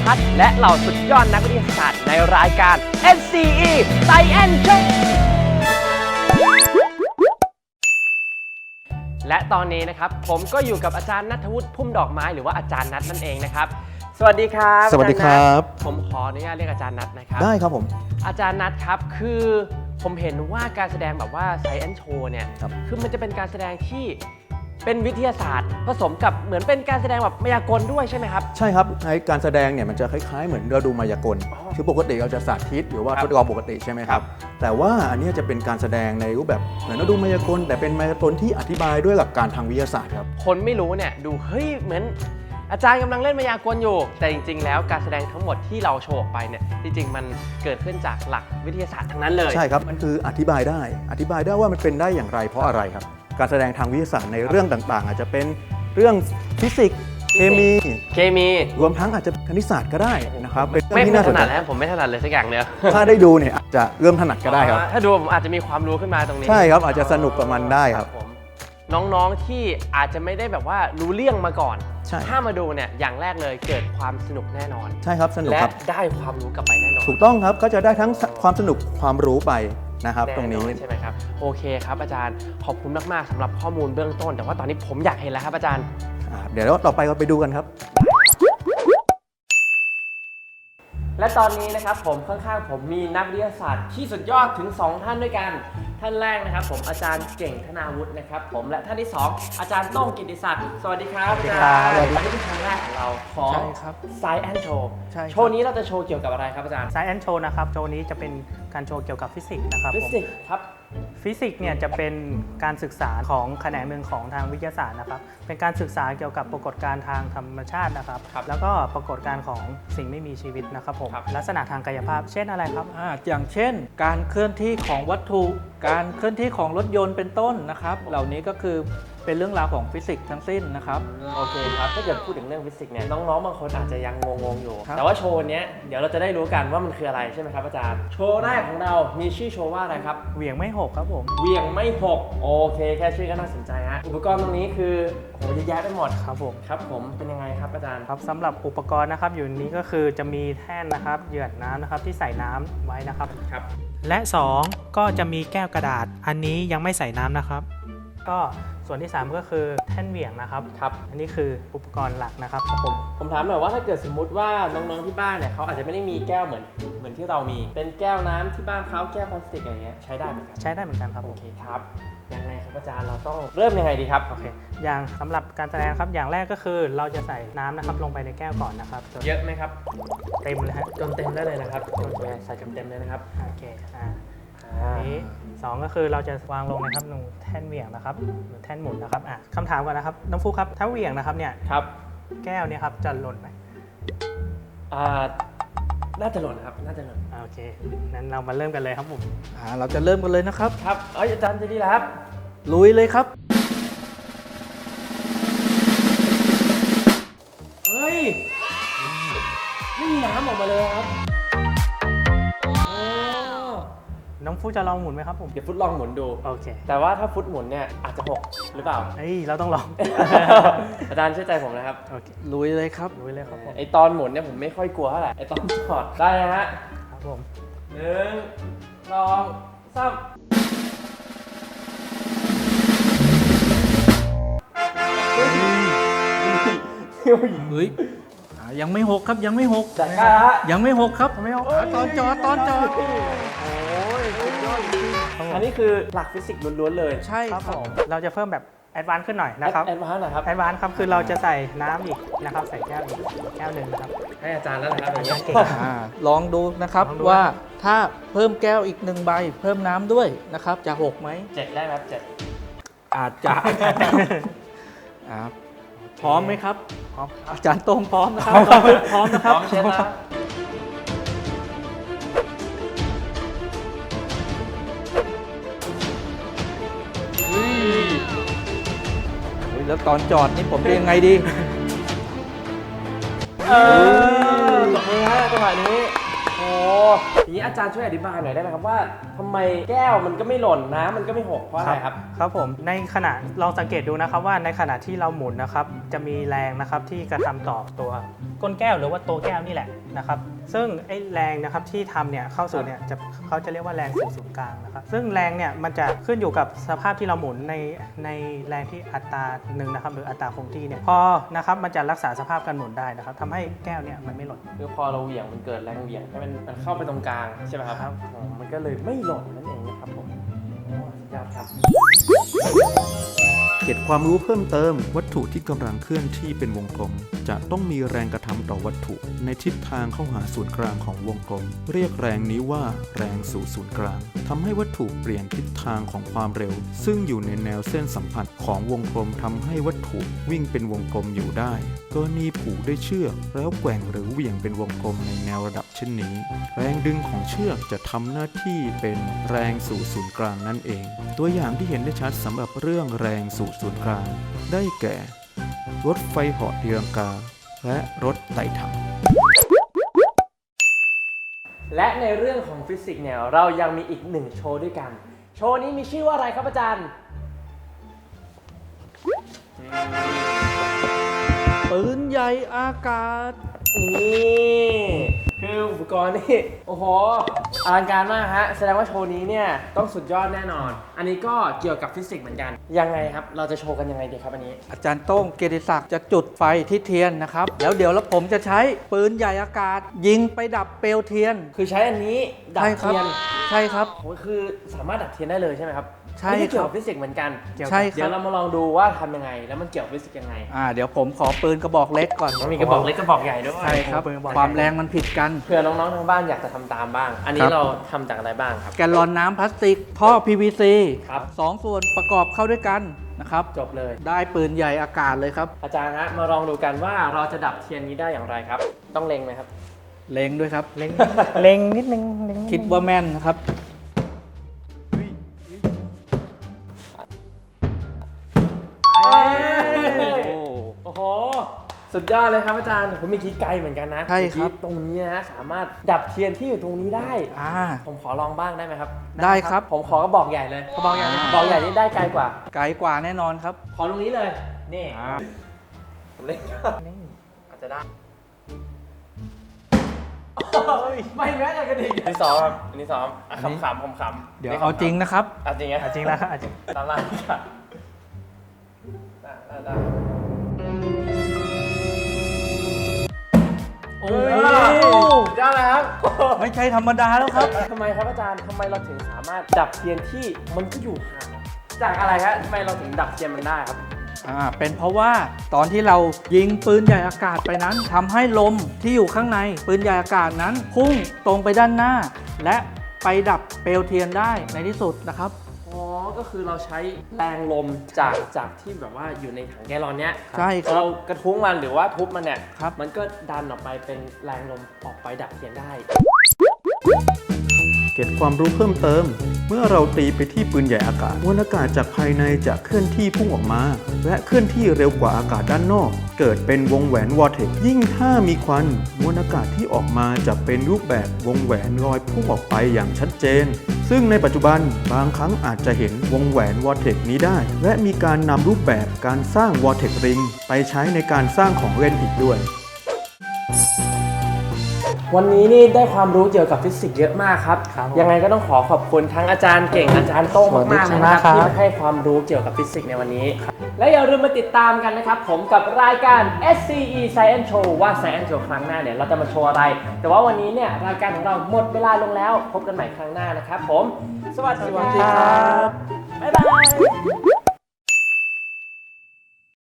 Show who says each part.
Speaker 1: พัฒน์และเหล่าสุดยอดนักวิทยาศาสตร์ในรายการ SCE Science Show และตอนนี้นะครับผมก็อยู่กับอาจารย์ณัฐวุฒิพุ่มดอกไม้หรือว่าอาจารย์นัทนั่นเองนะครับสวัสดีครับ
Speaker 2: สวัสดีครับ
Speaker 1: ผมขออนุญาตเรียกอาจารย์นัทนะครับ
Speaker 2: ได้ครับผม
Speaker 1: อาจารย์นัทครับคือผมเห็นว่าการแสดงแบบว่า Science Show เนี่ย
Speaker 2: ครับ
Speaker 1: คือมันจะเป็นการแสดงที่เป็นวิทยาศาสตร์ผสมกับเหมือนเป็นการแสดงแบบมายากลด้วยใช่ไหมครับ
Speaker 2: ใช่ครับในการแสดงเนี่ยมันจะคล้ายๆเหมือนเราดูมายากล
Speaker 1: อ๋อ
Speaker 2: คือปกติเราจะสาธิตหรือว่า
Speaker 1: ครับ
Speaker 2: ทดลองปกติใช่ไหมครับ แต่ว่าอันนี้จะเป็นการแสดงในรูปแบบเหมือนเราดูมายากลแต่เป็นมายากลที่อธิบายด้วยหลักการทางวิทยาศาสตร์ครับ
Speaker 1: คนไม่รู้เนี่ยดูเฮ้ยเหมือนอาจารย์กำลังเล่นมายากลอยู่ แต่จริงๆ แล้วการแสดงทั้งหมดที่เราโชว์ออกไปเนี่ยจริงๆ มันเกิดขึ้นจากหลักวิทยาศาสตร์ทั้งนั้นเลย
Speaker 2: ใช่ครับมันคืออธิบายได้ว่ามันเป็นได้อย่างไรเพราะอะไรครับการแสดงทางวิทยาศาสตร์ในเรื่องต่างๆ อาจจะเป็นเรื่องฟิสิกส์เคมี รวมทั้งอาจจะคณิตศาสตร์ก็ได้นะครับเป็นเรื่
Speaker 1: ไม่
Speaker 2: องที่น่าส
Speaker 1: ถ
Speaker 2: นใจ
Speaker 1: นัดแล้วผมไม่ถนัดเลยสักอย่างเดียว
Speaker 2: ถ้าได้ดูเนี่ยอาจจะเริ่มถนัดก็ได้ครับ
Speaker 1: ถ้าดูผมอาจจะมีความรู้ขึ้นมาตรงนี้
Speaker 2: ใช่ครับอาจจะสนุกกับมันได้ครับ
Speaker 1: ผมน้องๆที่อาจจะไม่ได้แบบว่ารู้เรื่องมาก่อน
Speaker 2: ใช่
Speaker 1: ถ้ามาดูเนี่ยอย่างแรกเลยเกิดความสนุกแน่นอน
Speaker 2: ใช่ครับสนุก
Speaker 1: และ
Speaker 2: ครับ
Speaker 1: ได้ความรู้กลับไปแน่นอน
Speaker 2: ถูกต้องครับก็จะได้ทั้งความสนุกความรู้ไปนะครับตรงนี้
Speaker 1: แอใช่ไหมครับโอเคครับอาจารย์ขอบคุณมากๆสำหรับข้อมูลเบื้องต้น แต่ว่าตอนนี้ผมอยากเห็นแล้วครับอาจารย์
Speaker 2: เดี๋ยวต่อไปเราไปดูกันครับ
Speaker 1: และตอนนี้นะครับผมข้างๆผมมีนักวิทยาศาสตร์ที่สุดยอดถึง 2 ท่านด้วยกันท่านแรกนะครับผมอาจารย์เก่งธนาวุฒินะครับผมและท่านที่ 2 อาจารย์โต้งกิติศักดิ์สวัสดีครับ
Speaker 2: สวัสดีครับ
Speaker 1: อาจารย์อันนี้เป็นครั้งแรกของเราของ
Speaker 3: ใช่ครับ
Speaker 1: Science Show
Speaker 3: ใช่ครับ
Speaker 1: โชว์นี้เราจะโชว์เกี่ยวกับอะไรครับอาจารย์
Speaker 3: Science Show นะครับโชว์นี้จะเป็นการโชว์เกี่ยวกับฟิสิกส์นะครับ
Speaker 1: ฟิ
Speaker 3: ผม
Speaker 1: สิกส์ครับ
Speaker 3: ฟิสิกส์เนี่ยจะเป็นการศึกษาของแขนงหนึ่งของทางวิทยาศาสตร์นะครับเป็นการศึกษาเกี่ยวกับปรากฏการณ์ทางธรรมชาตินะครับ
Speaker 1: ครับ
Speaker 3: แล้วก็ปรากฏการณ์ของสิ่งไม่มีชีวิตนะครับผม
Speaker 1: ครับ
Speaker 3: ลักษณะทางกายภาพ เช่นอะไรครับ
Speaker 4: อย่างเช่น การเคลื่อนที่ของวัตถุ การเคลื่อนที่ของรถยนต์เป็นต้นนะครับ เหล่านี้ก็คือเป็นเรื่องราวของฟิสิกส์ทั้งสิ้นนะครับ
Speaker 1: โอเคครับถ้าเกิดพูดถึงเรื่องฟิสิกส์เนี่ยน้องๆบางคนอาจจะยังงงๆอยู่
Speaker 4: ครับ
Speaker 1: แต่ว่าโชว์เนี้ยเดี๋ยวเราจะได้รู้กันว่ามันคืออะไรใช่ไหมครับอาจารย์โชว์แรกของเรามีชื่อโชว์ว่าอะไรครับ
Speaker 3: เหวี่ยงไม่หกครับผม
Speaker 1: เหวี่ยงไม่หกโอเคแค่ชื่อก็น่าสนใจฮะอุปกรณ์ตรงนี้คือโหเยอะแยะไปหมด
Speaker 3: ครับผม
Speaker 1: ครับผมเป็นยังไงครับอาจารย์
Speaker 3: ครับสำหรับอุปกรณ์นะครับอยู่นี้ก็คือจะมีแท่นนะครับเหยือกน้ำนะครับที่ใส่น้ำไว้นะครับ
Speaker 1: ครับ
Speaker 3: และ 2 ก็จะมีแก้วกระดาษ อันนี้ยังไม่ใส่น้ำนะครับ ก็ส่วนที่ 3 ก็คือแท่นเหวี่ยงนะครับ
Speaker 1: ครับ
Speaker 3: อันนี้คืออุปกรณ์หลักนะครับ
Speaker 1: ผมถามหน่อยว่าถ้าเกิดสมมุติว่าน้องๆที่บ้านเนี่ยเขาอาจจะไม่ได้มีแก้วเหมือนที่เรามี เป็นแก้วน้ำที่บ้านเขาแก้วพลาสติกอะไรเงี้ยใช้ได้ไหมครับ
Speaker 3: ใช้ได้เหมือนกันครับผ
Speaker 1: โอ
Speaker 3: ม
Speaker 1: เคครับยังไงครับอาจารย์เราต้องเริ่มยังไงดีครับ
Speaker 3: โอเคอย่างสำหรับการแสดงครับอย่างแรกก็คือเราจะใส่น้ำนะครับลงไปในแก้วก่อนนะครับจน
Speaker 1: เยอะไหมครับ
Speaker 3: เต็มเลยฮะ
Speaker 1: จนเต็มได้เลยนะครับโอเคใส่จนเต็มเลยนะครับ
Speaker 3: โอเคอันนี้2ก็คือเราจะวางลงนะครับตรงแท่นเหวี่ยงนะครับหรือแท่นหมุนนะครับคำถามก่อนนะครับน้องฟุกครับถ้าเหวี่ยงนะครับเนี่ย
Speaker 1: ครับ
Speaker 3: แก้วเนี่ยครับจะหล่นไหม
Speaker 1: น่าจะหล่นครับน่าจะหล่น
Speaker 3: โอเคนั้นเรามาเริ่มกันเลยครับผม
Speaker 4: เราจะเริ่มกันเลยนะครับ
Speaker 1: ครับอาจารย์จะดีแล้วครับ
Speaker 4: ลุยเลยครับ
Speaker 1: เฮ้ยไม่มีน้ำออกมาเลยครับโอ้
Speaker 3: น้องฟุกจะลองหมุนไหมครับผม
Speaker 1: เดี๋ยวฟุตลองหมุนดู
Speaker 3: โอเค
Speaker 1: แต่ว่าถ้าฟุตหมุนเนี่ยอาจจะหกหรือเปล่า
Speaker 3: เฮ้ยเราต้องลอง
Speaker 1: อาจารย์เชื่อใจผมนะครับ
Speaker 3: โอเค
Speaker 4: ลุยเลยครับ
Speaker 3: ลุยเลยครับผม
Speaker 1: ไอตอนหมุนเนี่ยผมไม่ค่อยกลัวเท่าไหร่ไอตอนจอดได้นะฮะ
Speaker 3: ครับผม
Speaker 1: 1 2 3
Speaker 4: เฮ้ยยังไม่หกครับยังไม่หก
Speaker 1: จัดการฮะ
Speaker 4: ยังไม่หกครับไม่หกตอนจอดตอนจอด
Speaker 1: โอ้ยสุดยอดจริงๆอันนี้คือหลักฟิสิกส์ล้วนๆเลย
Speaker 4: ใช่
Speaker 3: ครับ
Speaker 4: ครั
Speaker 3: ผ
Speaker 4: บ
Speaker 3: มเราจะเพิ่มแบบแอดวานซ์ขึ้นหน่อยนะครับ
Speaker 1: แอดวานซ์นะครับ
Speaker 3: แอดวานซ์ครับคือเราจะใส่น้ำอีกนะครับใส่แก้วอีกแก้วหนึ่งนะครับ
Speaker 1: ให้อาจารย์แล้วนะครับอย่าง
Speaker 3: อา
Speaker 1: เงี้
Speaker 3: จาร
Speaker 1: ย
Speaker 3: ย์เก่ง
Speaker 4: ลองดูนะครับ
Speaker 3: ลองดู
Speaker 4: ว่าถ้าเพิ่มแก้วอีก1ใบเพิ่มน้ำด้วยนะครับจะหกไหม
Speaker 1: 7ได้ไหมครับ7
Speaker 4: อาจจะ พร้อมไหมครับ
Speaker 3: พร้อม
Speaker 4: อาจารย์โต้งพร้อมนะครับ พร้อมนะ
Speaker 1: พ
Speaker 4: ครับ
Speaker 1: ร้อมเช็ดนะ
Speaker 4: เฮ้ยแล้วตอนจอดนี่ผมจะยังไงดี
Speaker 1: ตบมือฮะจังหวะนี้ โอ้ทีนี้อาจารย์ช่วยอธิบายหน่อยได้ไหมครับว่าทำไมแก้วมันก็ไม่หล่นน้ำมันก็ไม่หกเพราะอะไรครับ
Speaker 3: ครับผมในขณะลองสังเกตดูนะครับว่าในขณะที่เราหมุนนะครับจะมีแรงนะครับที่กระทำต่อตัวก้นแก้วหรือว่าตัวแก้วนี่แหละนะครับซึ่งไอ้แรงนะครับที่ทำเนี่ยเข้าสู่เนี่ยเขาจะเรียกว่าแรงสู่ศูนย์กลางนะครับซึ่งแรงเนี่ยมันจะขึ้นอยู่กับสภาพที่เราหมุนในแรงที่อัตราหนึ่งนะครับหรืออัตราคงที่เนี่ยพอนะครับมันจะรักษาสภาพการหมุนได้นะครับทำให้แก้วเนี่ยมันไม่หล่น
Speaker 1: คือพอเราเหวี่ยงมันเกิดแรงเหวี่ยงให้มันเข้าไปตรงกลางใช่ไหมครับอ๋อมันก็เลยไม่หล่นนั่นเองนะครับผมโอ้สุดยอดครับ
Speaker 2: เกร็ดความรู้เพิ่มเติมวัตถุที่กำลังเคลื่อนที่เป็นวงกลม จะต้องมีแรงกระทำต่อวัตถุในทิศทางเข้าหาศูนย์กลางของวงกลม เรียกแรงนี้ว่าแรงสู่ศูนย์กลางทำให้วัตถุเปลี่ยนทิศทางของความเร็ว ซึ่งอยู่ในแนวเส้นสัมผัสของวงกลมทำให้วัตถุวิ่งเป็นวงกลมอยู่ได้กรณีผูกด้วยเชือกแล้วแกว่งหรือเหวี่ยงเป็นวงกลมในแนวระดับเช่นนี้ แรงดึงของเชือกจะทำหน้าที่เป็นแรงสู่ศูนย์กลางนั่นเอง ตัวอย่างที่เห็นได้ชัดสำหรับเรื่องแรงสู่ศูนย์กลางได้แก่ รถไฟเหาะตีลังกา และรถไต่ถัง
Speaker 1: และในเรื่องของฟิสิกส์เนี่ยเรายังมีอีกหนึ่งโชว์ด้วยกัน โชว์นี้มีชื่อว่าอะไรครับอาจารย์
Speaker 4: ปืนใหญ่อากาศ
Speaker 1: นี่คืออุปกรณ์นี่โอ้โหอลังการมากฮะแสดงว่าโชว์นี้เนี่ยต้องสุดยอดแน่นอน อันนี้ก็เกี่ยวกับฟิสิกส์เหมือนกันยังไงครับเราจะโชว์กันยังไงดีครับอันนี้
Speaker 4: อาจารย์โต้งเกียรติศักดิ์จะจุดไฟที่เทียนนะครับแล้วเดี๋ยวผมจะใช้ปืนใหญ่อากาศ ยิงไปดับเปลวเทียน
Speaker 1: คือใช้อันนี้ดับ
Speaker 4: ใช่ครับ
Speaker 1: เทียน
Speaker 4: ใช่ครับ
Speaker 1: โอ้คือสามารถดับเทียนได้เลยใช่ไหมครับ
Speaker 4: ใช่
Speaker 1: นี่เกี่ยว
Speaker 4: ครั
Speaker 1: กับบ ฟิสิกส์เหมือนกัน
Speaker 4: ใช่ค
Speaker 1: เดี๋ย
Speaker 4: รับ
Speaker 1: วเรามาลองดูว่าทำยังไงแล้วมันเกี่ยวกับฟิสิกส์ยังไง
Speaker 4: เดี๋ยวผมขอปืนกระบอกเล็กก่อน
Speaker 1: ต้องมีกระบอกเล็กกระบอกใหญ่ด้วย
Speaker 4: ใช่ครับ
Speaker 3: ปืนกระบอก
Speaker 4: ความแรงมันผิดกัน
Speaker 1: เผื่อน้องๆทางบ้านอยากจะทำตามบ้าง อันนี้
Speaker 4: ครับ
Speaker 1: เราทำจากอะไรบ้างครับ
Speaker 4: แกลลอนน้ำพลาสติก ท่อ PVC
Speaker 1: ครับ
Speaker 4: 2 ส่วนประกอบเข้าด้วยกันนะครับ
Speaker 1: จบเลย
Speaker 4: ได้ปืนใหญ่อากาศเลยครับ
Speaker 1: อาจารย์ฮะมาลองดูกันว่าเราจะดับเทียนนี้ได้อย่างไรครับ ต้องเล็งไหมครับ
Speaker 4: เล็งด้วยครับ
Speaker 3: เล็งเล็งนิดนึงเล็งนินึง
Speaker 4: คิดว่าแม่นนะครับ
Speaker 1: โอ้โห สุดยอดเลยครับอาจารย์ผมมีคิดไกลเหมือนกันนะ
Speaker 4: ใช่ครับ
Speaker 1: เมื่อกี้ตรงนี้นะสามารถดับเทียนที่อยู่ตรงนี้ได้ ผมขอลองบ้างได้ไหมครับ
Speaker 4: ได้ครับ
Speaker 1: ผมขอกระบอกใหญ่เลยกระบอกใหญ่กระบอกใหญ่นี่ได้ไกลกว่า
Speaker 4: ไกลกว่าแน่นอนครับ
Speaker 1: ขอตรงนี้เลย นี่ผมเล่นอาจจะได้ไม่แม้แต่กระดิ่งอันนี้ซ้อมครับอันนี้ซ้อมขำๆขำๆ
Speaker 4: เดี๋ยวเอาจริงนะครับ
Speaker 1: เอาจริงไง
Speaker 3: จริงแล้วครับจริง
Speaker 1: ตามล่างค่ะได้โอ้ยได้แล้วครับ
Speaker 4: ไม่ใช่ธรรมดาแล้วครับ
Speaker 1: ทำไมครับอาจารย์ทำไมเราถึงสามารถดับเทียนที่มันก็อยู่ห่างจากอะไรครับทำไมเราถึงดับเทียนมันได้ครับ
Speaker 4: เป็นเพราะว่าตอนที่เรายิงปืนใหญ่อากาศไปนั้นทำให้ลมที่อยู่ข้างในปืนใหญ่อากาศนั้นพุ่งตรงไปด้านหน้า และไปดับเปลวเทียนได้ในที่สุดนะครับ
Speaker 1: อ๋อ ก็คือเราใช้แรงลมจากที่แบบว่าอยู่ในถังแกลลอนเนี้ย
Speaker 4: ใช่ครับ
Speaker 1: เรากระทุ้งมันหรือว่าทุบมันเนี่ย
Speaker 4: ครับ
Speaker 1: มันก็ดันออกไปเป็นแรงลมออกไปดับเทียนได้
Speaker 2: เกร็ดความรู้เพิ่มเติม เมื่อเราตีไปที่ปืนใหญ่อากาศมวลอากาศจากภายในจะเคลื่อนที่พุ่งออกมา และเคลื่อนที่เร็วกว่าอากาศด้านนอก เกิดเป็นวงแหวนวอร์เทกซ์ยิ่งถ้ามีควันมวลอากาศที่ออกมาจะเป็นรูปแบบวงแหวนลอยพุ่งออกไปอย่างชัดเจน ซึ่งในปัจจุบันบางครั้งอาจจะเห็นวงแหวนวอร์เทกซ์นี้ได้ และมีการนำรูปแบบการสร้างวอร์เทกซ์ริงไปใช้ในการสร้างของเล่นอีกด้วย
Speaker 1: วันนี้นี่ได้ความรู้เกี่ยวกับฟิสิกส์เยอะมากครับ
Speaker 3: ครับ
Speaker 1: ยังไงก็ต้องขอขอบคุณทั้งอาจารย์เก่งอาจารย์โต้งมากๆเลยนะครับที่มาให้ความรู้เกี่ยวกับฟิสิกส์ในวันนี้ และอย่าลืมมาติดตามกันนะครับผมกับรายการ SCE Science Show ว่า Science Show ครั้งหน้าเนี่ยเราจะมาโชว์อะไร แต่ว่าวันนี้เนี่ยรายการของเราหมดเวลาลงแล้วพบกันใหม่ครั้งหน้านะครับผม สวัสดีครับบ๊ายบาย